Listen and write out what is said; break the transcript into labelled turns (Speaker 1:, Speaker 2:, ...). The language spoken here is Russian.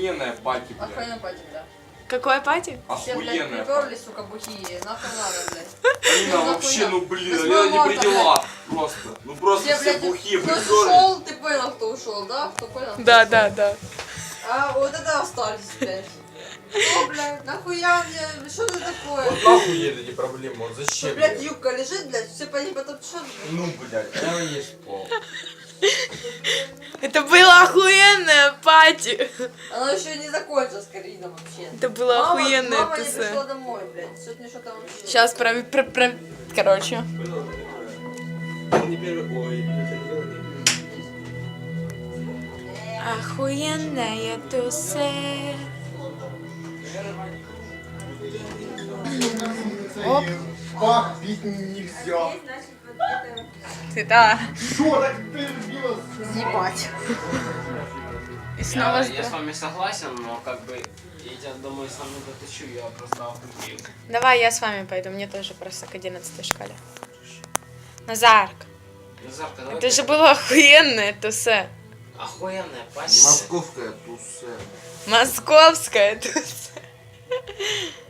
Speaker 1: охуенная пати, блядь.
Speaker 2: Охуенная пати, да.
Speaker 3: Какое пати?
Speaker 2: Все, блядь,
Speaker 1: Охуенная пати.
Speaker 2: приперлись, сука, бухие. Нахуй надо, блядь.
Speaker 1: Алина, вообще, ну блин,
Speaker 2: 8
Speaker 1: Алина не
Speaker 2: марта,
Speaker 1: при делах. Просто. Ну просто
Speaker 2: Все,
Speaker 1: все
Speaker 2: блядь,
Speaker 1: бухие
Speaker 2: кто
Speaker 1: приперлись.
Speaker 2: ушел, ты понял, кто ушел, да? Кто понял? кто
Speaker 3: Да,
Speaker 2: ушел?
Speaker 3: да, да.
Speaker 2: А вот это остались, блядь. О, блядь, нахуя мне, что это такое?
Speaker 1: Вот нахуй ей эти проблемы, вот
Speaker 2: Что,
Speaker 1: зачем?
Speaker 2: блядь, юбка лежит, блядь, все по ней потом что?
Speaker 1: Ну, блядь, прямо есть пол.
Speaker 3: Это было охуенное пати.
Speaker 2: Оно еще не закончилось, Карина, вообще.
Speaker 3: Это было охуенное
Speaker 2: Мама не
Speaker 3: тусе.
Speaker 2: пришла домой, блядь, сегодня что там вообще.
Speaker 3: Сейчас короче. Охуенная тусе. Оп.
Speaker 4: Пах, бить нельзя.
Speaker 3: Ты да.
Speaker 4: Что так ты любила?
Speaker 2: Ебать.
Speaker 3: И снова
Speaker 5: Я с вами согласен, но как бы я думаю, сам не дотащу, я просто охуел.
Speaker 3: Давай я с вами пойду, мне тоже просто к 11 шкале. Назарк,
Speaker 5: Назарка, давай.
Speaker 3: это же было охуенное тусе.
Speaker 5: Охуенная пати.
Speaker 1: Московская тусе.
Speaker 3: Московское тусе.